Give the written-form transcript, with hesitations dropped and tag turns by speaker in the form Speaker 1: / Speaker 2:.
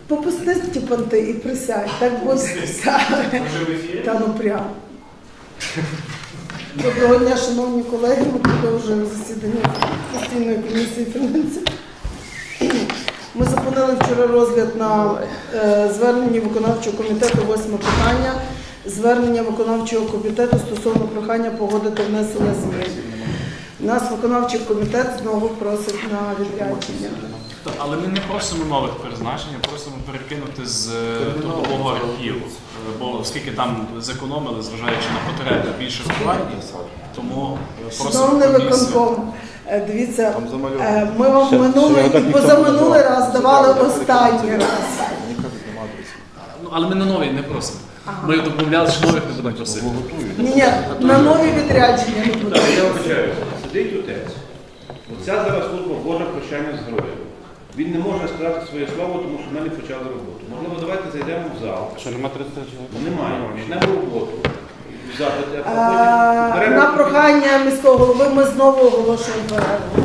Speaker 1: Попусти ті понти і присядь, так буде. Та ну прямо. Доброго дня, шановні колеги, ми продовжуємо засідання постійної комісії фінансів. Ми зупинили вчора розгляд на зверненні виконавчого комітету, 8 питання. Звернення виконавчого комітету стосовно прохання погодити внесення змін. Нас виконавчий комітет знову просить на відрядження.
Speaker 2: Але ми не просимо нових призначень, а просимо перекинути з трудового архіву. Бо оскільки там зекономили, зважаючи на потреби більше вкладень, тому просимо
Speaker 1: Шановний виконком, дивіться, ми вам минулий і позаминулий раз давали останній раз.
Speaker 2: Але ми на нові не просимо. Ми домовляли, що нових не будемо просити.
Speaker 1: Ні, на нові відрядження не буде.
Speaker 3: Я вибачаю, сидить отець. Оця зараз служба Божа прощання з героєм. Він не може сказати своє слово, тому що ми не почали роботу. Можливо, давайте зайдемо в зал.
Speaker 4: Що, нема 30 чоловік?
Speaker 3: Немає. Почнемо роботу.
Speaker 1: На прохання міського голови ми знову оголошуємо перерву.